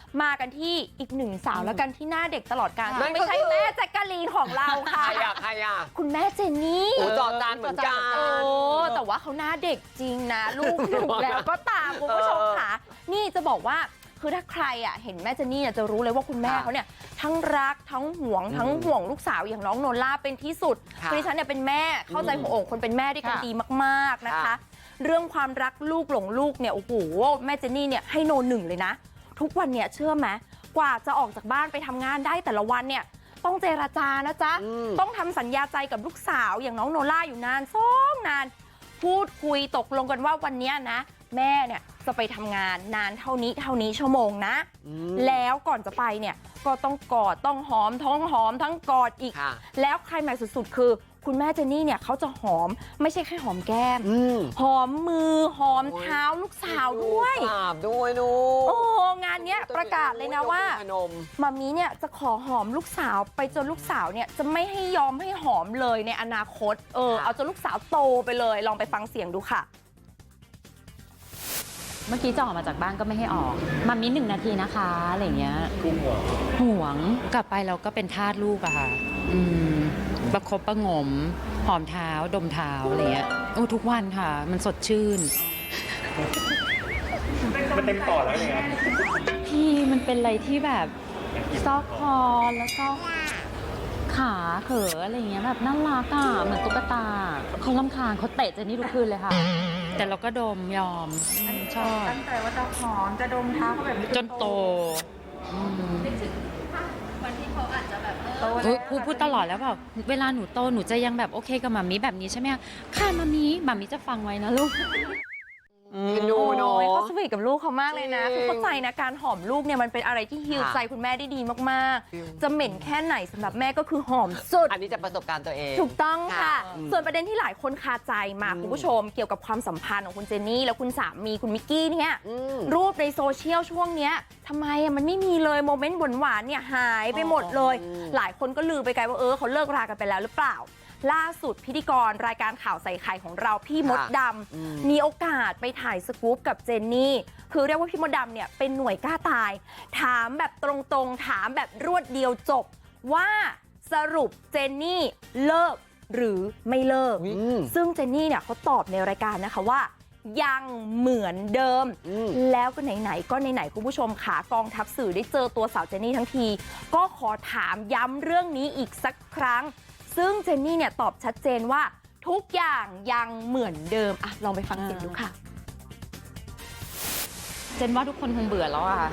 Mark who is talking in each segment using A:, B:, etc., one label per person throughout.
A: มากันที่อีกหนึ่งสาวแล้วกันที่หน้าเด็กตลอดกาลไม่ใช่แม่แจ๊กกะลีนของเราค่ะ
B: ใครอ่ะ
A: คุณแม่เจนนี่
B: โอ้จอจานเหมือนกัน
A: แต่ว่าเขาหน้าเด็กจริงนะลูกหนูแล้วก็ตามคุณผู้ชมค่ะนี่จะบอกว่าคือถ้าใครอ่ะเห็นแม่เจนนี่จะรู้เลยว่าคุณแม่เขาเนี่ยทั้งรักทั้งห่วงลูกสาวอย่างน้องโนล่าเป็นที่สุดคือดิฉันเนี่ยเป็นแม่เข้าใจหัวอกคนเป็นแม่ได้กันดีมากๆนะคะเรื่องความรักลูกหลงลูกเนี่ยโอ้โหแม่เจนนี่เนี่ยให้โน1เลยนะทุกวันเนี่ยเชื่อไหมกว่าจะออกจากบ้านไปทำงานได้แต่ละวันเนี่ยต้องเจรจานะจ๊ะต้องทำสัญญาใจกับลูกสาวอย่างน้องโนล่าอยู่นานนานพูดคุยตกลงกันว่าวันนี้นะแม่เนี่ยจะไปทำงานนานเท่านี้ชั่วโมงนะแล้วก่อนจะไปเนี่ยก็ต้องกอดต้องหอมทั้งกอดอีกแล้วใครแม็กสุดๆคือคุณแม่เจนนี่เนี่ยเขาจะหอมไม่ใช่แค่หอมแก้มหอมมือหอมเท้าลูกสาวด้วย
B: นู
A: โอ้งานเนี้ยประกาศเลยนะว่ามามีเนี่ยจะขอหอมลูกสาวไปจนลูกสาวเนี่ยจะไม่ให้ยอมให้หอมเลยในอนาคตเอาจนลูกสาวโตไปเลยลองไปฟังเสียงดูค่ะ
C: เมื่อกี้จะออกมาจากบ้านก็ไม่ให้ออกมามี1 นาทีนะคะอะไรเงี้ยห่วงกลับไปเราก็เป็นทาสลูกอะค่ะประคบประงมหอมเท้าดมเท้าอะไรเงี้ยทุกวันค่ะมันสดชื่น
D: มันเต็มปอดแล้วเนี่ย
C: พี่มันเป็นอะไรที่แบบซอกคอแล้วก็ขาเขออะไรเงี้ยแบบน่ารักอะเหมือนตุ๊กตาเขารำคาญเขาเตะเจนนี่ทุกคืนเลยค่ะแต่เราก็ดมยอมชอบ
A: ตั้งใจว่าจะหอมจะดมเท้าเขาแบบนี้
C: จนโต
A: วันที่เขาอาจจะแบบ
C: พูดตลอดแล้วแบบเวลาหนูโตหนูจะยังแบบโอเคกับหมามีแบบนี้ใช่ไหมคะค่ะหมามีจะฟังไว้นะลูก
B: ดูเนาะ
A: เขาสวีทกับลูกเขามากเลยนะคือเข้าใจนะการหอมลูกเนี่ยมันเป็นอะไรที่ฮีลใจคุณแม่ได้ดีมากๆจะเหม็นแค่ไหนสำหรับแม่ก็คือหอมสุด
B: อันนี้จะประสบการณ์ตัวเอง
A: ถูกต้องค่ะส่วนประเด็นที่หลายคนคาใจมาคุณผู้ชมเกี่ยวกับความสัมพันธ์ของคุณเจนนี่และคุณสามีคุณมิกกี้เนี่ยรูปในโซเชียลช่วงเนี้ยทำไมมันไม่มีเลยโมเมนต์หวานๆเนี่ยหายไปหมดเลยหลายคนก็ลือไปไกลว่าเขาเลิกรากันไปแล้วหรือเปล่าล่าสุดพิธีกรรายการข่าวใส่ไข่ของเราพี่มดดำมีโอกาสไปถ่ายสกู๊ปกับเจนนี่คือเรียกว่าพี่มดดำเนี่ยเป็นหน่วยกล้าตายถามแบบตรงๆถามแบบรวดเดียวจบว่าสรุปเจนนี่เลิกหรือไม่เลิกซึ่งเจนนี่เนี่ยเขาตอบในรายการนะคะว่ายังเหมือนเดิมแล้วก็ไหนๆก็ไหนๆคุณผู้ชมขากองทัพสื่อได้เจอตัวสาวเจนนี่ทั้งทีก็ขอถามย้ำเรื่องนี้อีกสักครั้งซึ่งเจนนี่เนี่ยตอบชัดเจนว่าทุกอย่างยังเหมือนเดิมอ่ะลองไปฟังเสียงดูค่ะ
C: เจนว่าทุกคนคงเบื่อแล้วอ่ะ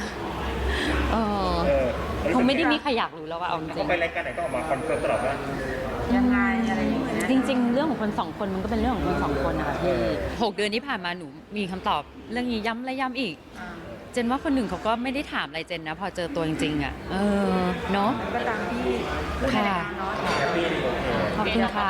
C: คงไม่ได้มีใครอยากรู้แล้วว่าเอาจริง
D: เขาไปรายการไหนก็ออกมาคอนเฟิร์มตลอดว่า
A: ยังไงอะไรอย่างเงี้ย
C: จริงๆเรื่องของคน2 คนมันก็เป็นเรื่องของคน2 คนนะคะพี่6 เดือนที่ผ่านมาหนูมีคำตอบเรื่องนี้ย้ำและย้ำอีกเจนว่าคนหนึ่งเขาก็ไม่ได้ถามอะไรเจนนะพอเจอตัวจริงๆอ่ะเนาะ
A: ก็ตามที่
C: ค่ะขอบคุณค่ะ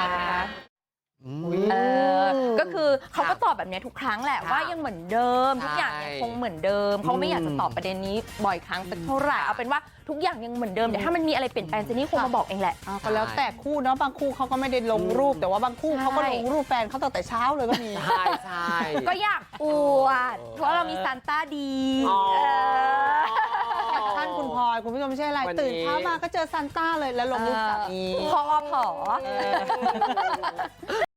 A: ก็คือเขาก็ตอบแบบนี้ทุกครั้งแหละว่ายังเหมือนเดิมทุกอย่างยังคงเหมือนเดิมเขาไม่อยากจะตอบประเด็นนี้บ่อยครั้งสักเท่าไหร่เอาเป็นว่าทุกอย่างยังเหมือนเดิมแต่ถ้ามันมีอะไรเปลี่ยนแปลงเจนนี่คงมาบอกเองแหละ
E: ก็แล้วแต่คู่เนาะบางคู่เขาก็ไม่ได้ลงรูปแต่ว่าบางคู่เขาก็ลงรูปแฟนเขาตั้งแต่เช้าเลยก็มี
B: ใช่
A: ก็อยากอวดเพราะเรามีซานต้าดี
E: ท่านคุณพลอยคุณผู้ชมไม่ใช่อะไรตื่นเช้ามาก็เจอซานต้าเลยแล้วลงรูปสามี
A: พอ